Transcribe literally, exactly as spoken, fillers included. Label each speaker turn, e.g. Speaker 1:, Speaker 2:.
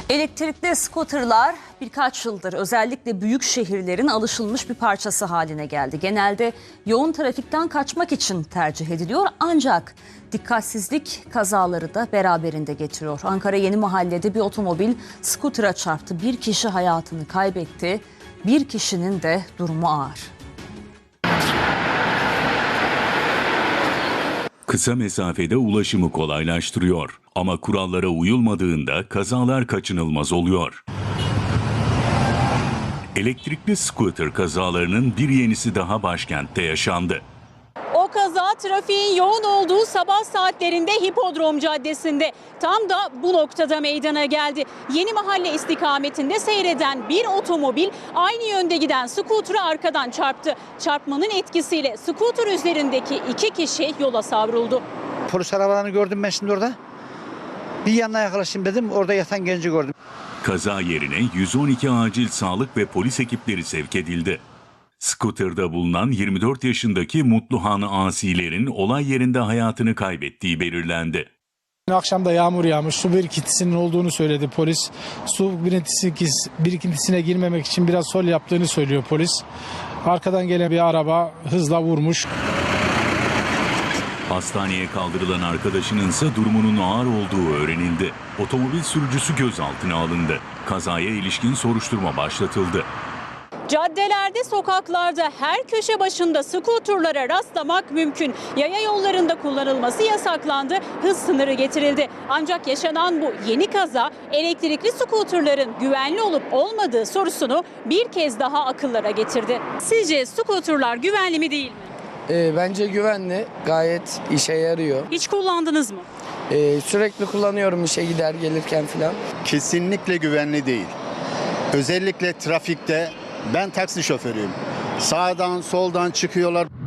Speaker 1: Elektrikli scooterlar birkaç yıldır özellikle büyük şehirlerin alışılmış bir parçası haline geldi. Genelde yoğun trafikten kaçmak için tercih ediliyor ancak dikkatsizlik kazaları da beraberinde getiriyor. Ankara Yenimahalle'de bir otomobil scooter'a çarptı. Bir kişi hayatını kaybetti. Bir kişinin de durumu ağır.
Speaker 2: Kısa mesafede ulaşımı kolaylaştırıyor ama kurallara uyulmadığında kazalar kaçınılmaz oluyor. Elektrikli scooter kazalarının bir yenisi daha başkentte yaşandı.
Speaker 3: O kaza trafiğin yoğun olduğu sabah saatlerinde Hipodrom Caddesi'nde tam da bu noktada meydana geldi. Yenimahalle istikametinde seyreden bir otomobil aynı yönde giden scooter'ı arkadan çarptı. Çarpmanın etkisiyle scooter üzerindeki iki kişi yola savruldu.
Speaker 4: Polis arabalarını gördüm ben şimdi orada. Bir yanına yaklaşayım dedim, orada yatan genci gördüm.
Speaker 2: Kaza yerine yüz on iki acil sağlık ve polis ekipleri sevk edildi. Scooter'da bulunan yirmi dört yaşındaki Mutluhan Asiler'in olay yerinde hayatını kaybettiği belirlendi.
Speaker 5: Akşam da yağmur yağmış, su birikintisinin olduğunu söyledi polis. Su birikintisi, birikintisine girmemek için biraz sol yaptığını söylüyor polis. Arkadan gelen bir araba hızla vurmuş.
Speaker 2: Hastaneye kaldırılan arkadaşının ise durumunun ağır olduğu öğrenildi. Otomobil sürücüsü gözaltına alındı. Kazaya ilişkin soruşturma başlatıldı.
Speaker 3: Caddelerde, sokaklarda her köşe başında scooterlara rastlamak mümkün. Yaya yollarında kullanılması yasaklandı, hız sınırı getirildi. Ancak yaşanan bu yeni kaza elektrikli scooterların güvenli olup olmadığı sorusunu bir kez daha akıllara getirdi. Sizce scooterlar güvenli mi değil mi?
Speaker 6: E, bence güvenli, gayet işe yarıyor.
Speaker 3: Hiç kullandınız mı?
Speaker 6: E, sürekli kullanıyorum işe gider gelirken falan.
Speaker 7: Kesinlikle güvenli değil. Özellikle trafikte ben taksi şoförüyüm. Sağdan soldan çıkıyorlar.